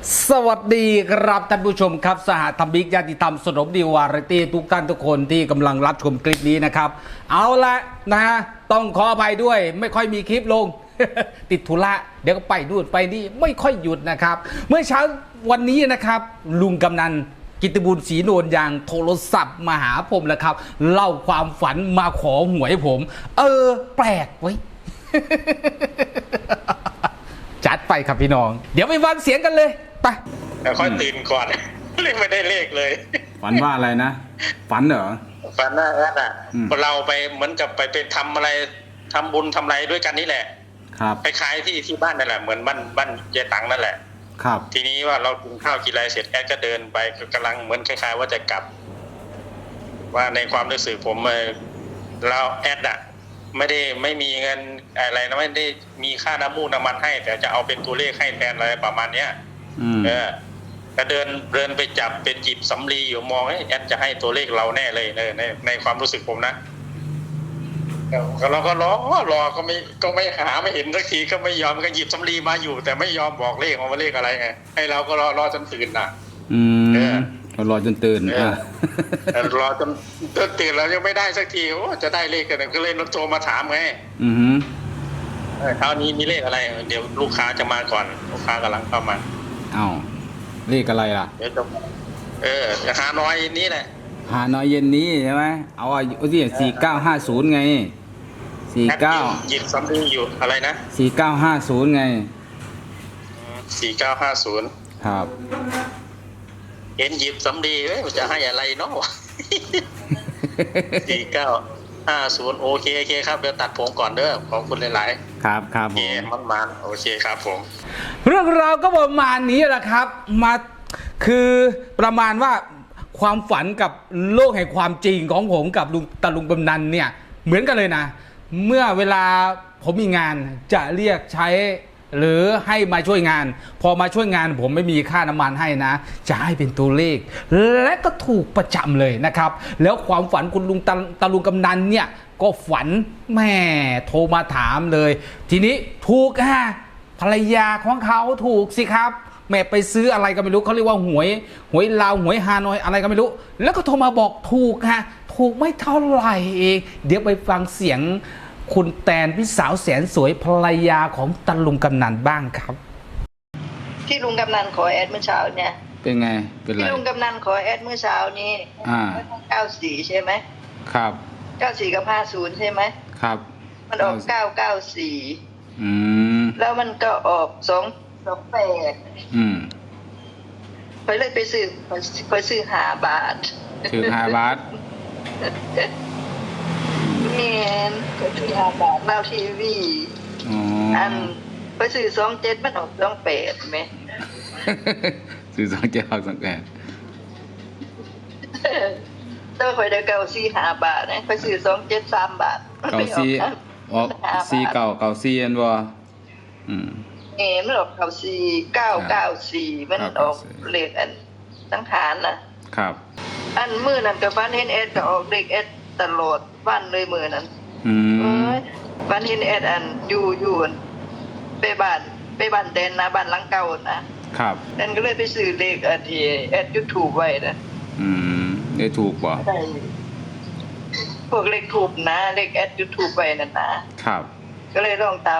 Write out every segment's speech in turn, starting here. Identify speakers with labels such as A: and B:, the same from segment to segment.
A: สวัสดีครับท่านผู้ชมครับสหธรรมิกญาติธรรมสนมดีวาไรตี้ทุกท่านทุกคนที่กำลังรับชมคลิปนี้นะครับเอาละนะฮะต้องขออภัยด้วยไม่ค่อยมีคลิปลง ติดธุระเดี๋ยวก็ไปนู่นไปนี่ไม่ค่อยหยุดนะครับเมื่อเช้าวันนี้นะครับลุงกำนันกิตติบุญศรีโนนยางโทรศัพท์มาหาผมแล้วครับเล่าความฝันมาขอหวยผมแปลกไว้ จัดไปครับพี่น้องเดี๋ยวไปฟังเสียงกันเลยไป
B: แต่ค่อยตื่นก่อน เลยไม่ได้เลขเลย
C: ฝันว่าอะไรนะฝันเหรอ
B: ฝันว่าเราไปเหมือนกับไปทำอะไรทำบุญทำอะไรด้วยกันนี่แหละ
C: ครับ
B: ไปขายที่บ้านนั่นแหละเหมือนบ้านยายตังนั่นแหละ
C: ครับ
B: ทีนี้ว่าเรากินข้าวกินอะไรเสร็จแอดก็เดินไปกำลังเหมือนคล้ายๆว่าจะกลับว่าในความรู้สึกผมเราแอดไม่มีเงินอะไรนะไม่ได้มีค่าน้ำมูกน้ำมันให้แต่จะเอาเป็นตัวเลขให้แทนอะไรประมาณเนี้ยก็เดินไปจับเป็นจีบสำลีอยู่มองแอดจะให้ตัวเลขเราแน่เลยในความรู้สึกผมนะเราก็รอก็ไม่หาไม่เห็นสักทีก็ไม่ยอมก็หยิบสำลีมาอยู่แต่ไม่ยอมบอกเลขว่าเลขอะไรไงให้เราก็รอจนตื่นนะ
C: รอจนตื่น
B: รอจนตื่นแล้วยังไม่ได้สักทีโอ้จะได้เลขกันก็เลยโทรมาถามไงคราวนี้มีเลขอะไรเดี๋ยวลูกค้าจะมาก่อนลูกค้ากำลังเข้ามา
C: เลขอะไรล่ะ
B: เดี๋ยวจะหาน้อยนี้แหละ
C: หาน้อยเย็นนี้ใช่ไหมเอาที่4950ไง
B: หยิบสำลีอยู่อะไรนะ
C: 4950ไง
B: 4950
C: ครับ
B: เห็นหยิบสำลีจะให้อะไรเนาะ4950โอเคครับเดี๋ยวตัดผมก่อนเด้อขอบคุณหลาย
C: ๆครับโอเค
B: มันโอเคครับผม
A: เรื่องราวก็ประมาณนี้แหละครับมาคือประมาณว่าความฝันกับโลกแห่งความจริงของผมกับลุงกำนันเนี่ยเหมือนกันเลยนะเมื่อเวลาผมมีงานจะเรียกใช้หรือให้มาช่วยงานพอมาช่วยงานผมไม่มีค่าน้ำมันให้นะจะให้เป็นตัวเลขและก็ถูกประจำเลยนะครับแล้วความฝันคุณลุงกำนันเนี่ยก็ฝันแม่โทรมาถามเลยทีนี้ถูกภรรยาของเขาถูกสิครับแม่ไปซื้ออะไรก็ไม่รู้เขาเรียกว่าหวยลาวหวยฮานอยอะไรก็ไม่รู้แล้วก็โทรมาบอกถูกถูกไม่เท่าไหร่เองเดี๋ยวไปฟังเสียงคุณแตนพี่สาวแสนสวยภรรยาของตาลุงกำนันบ้างครับ
D: ที่ลุงกำนันขอแอดเมื่อเช้าเนี่ย
C: เป็นไงเป็นไร
D: ที่ลุงกำนันขอแอดเมื่อเช้านี้94ใช่ไหม
C: ครับ
D: 94กับ50ใช่ไหม
C: ครับ
D: มันออก994แล้วมันก็ออก228ไปเลยไปซื้อ5 บาท
C: ซื้อ5 บาท
D: ก็ซื้อ5 บาทเล่าทีวีไปซื้อ27มันออก28ไหม
C: ซื้อ27ออก28
D: ต้องคอยได้5 บาทนะไปซื้อ27 3 บาท
C: 94ออก4994อันบ่
D: มันออก994มันออกเลขอันสังขาร
C: นะครับ
D: อันมื้อนั้นก็ฝันเห็นเอ็ดก็ออกเลขเอ็ดตลอดวันเลยมื้อนั้นฝันเห็นเอ็ดอันอยู่ไปบ้านแดนนะบ้านหลังเก่านะครับนั่นก็เลยไปซื้อเลขอันที่เอ็ดยูทูบไว้นะ
C: ได้ถูกบ่
D: พวกเลขถูกนะเลขเอ็ดยูทูบไว้นั่นนะครับก็เลยลองตาม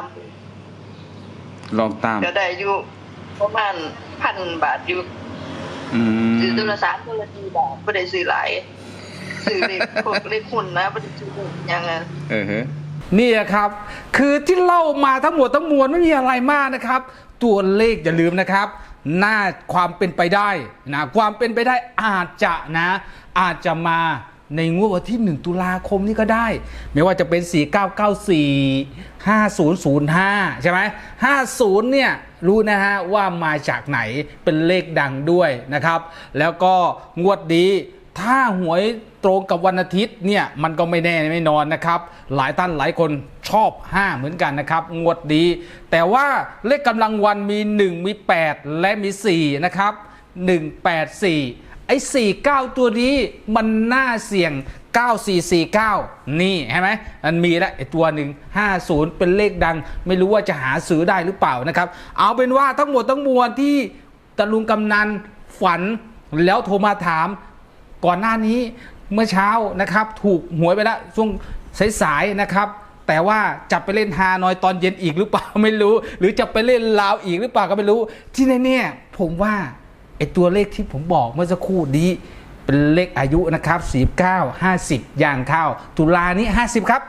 D: ก็ได้อยู่ประมาณ1,000 บาทอยู่ซื้อตัวละ3ตัวละ4 บาทไม่ได้ซื้อหลายซื้อเลขพวกเลขหุ้นนะไม่ได้ซื้อยังไง
A: นี่ครับคือที่เล่ามาทั้งหมดทั้งมวลไม่มีอะไรมากนะครับตัวเลขอย่าลืมนะครับน่าความเป็นไปได้นะความเป็นไปได้อาจจะมาในงวดวันที่1 ตุลาคมนี้ก็ได้ไม่ว่าจะเป็น4994 5005ใช่ไหม50เนี่ยรู้นะฮะว่ามาจากไหนเป็นเลขดังด้วยนะครับแล้วก็งวดนี้ถ้าหวยตรงกับวันอาทิตย์เนี่ยมันก็ไม่แน่ไม่นอนนะครับหลายท่านหลายคนชอบ5เหมือนกันนะครับงวดนี้แต่ว่าเลขกำลังวันมี1มี8และมี4นะครับ184ไอ้49ตัวนี้มันน่าเสี่ยง9449นี่เห็นไหมมันมีแล้วไอ้ตัวหนึ่ง50เป็นเลขดังไม่รู้ว่าจะหาซื้อได้หรือเปล่านะครับเอาเป็นว่าทั้งหมดทั้งมวลที่ตาลุงกำนันฝันแล้วโทรมาถามก่อนหน้านี้เมื่อเช้านะครับถูกหวยไปแล้วช่วงสายๆนะครับแต่ว่าจะไปเล่นฮานอยตอนเย็นอีกหรือเปล่าไม่รู้หรือจะไปเล่นลาวอีกหรือเปล่าก็ไม่รู้ที่แน่ๆผมว่าไอ้ตัวเลขที่ผมบอกเมื่อสักครู่นี้เป็นเลขอายุนะครับ49 50อย่างเข้าตุลานี้50ครับ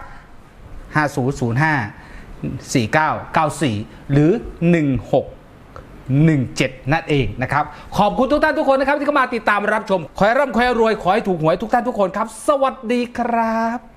A: 5005 4994หรือ1617นั่นเองนะครับขอบคุณทุกท่านทุกคนนะครับที่เข้ามาติดตามรับชมขอให้ร่ำขอให้รวยขอให้ถูกหวยทุกท่านทุกคนครับสวัสดีครับ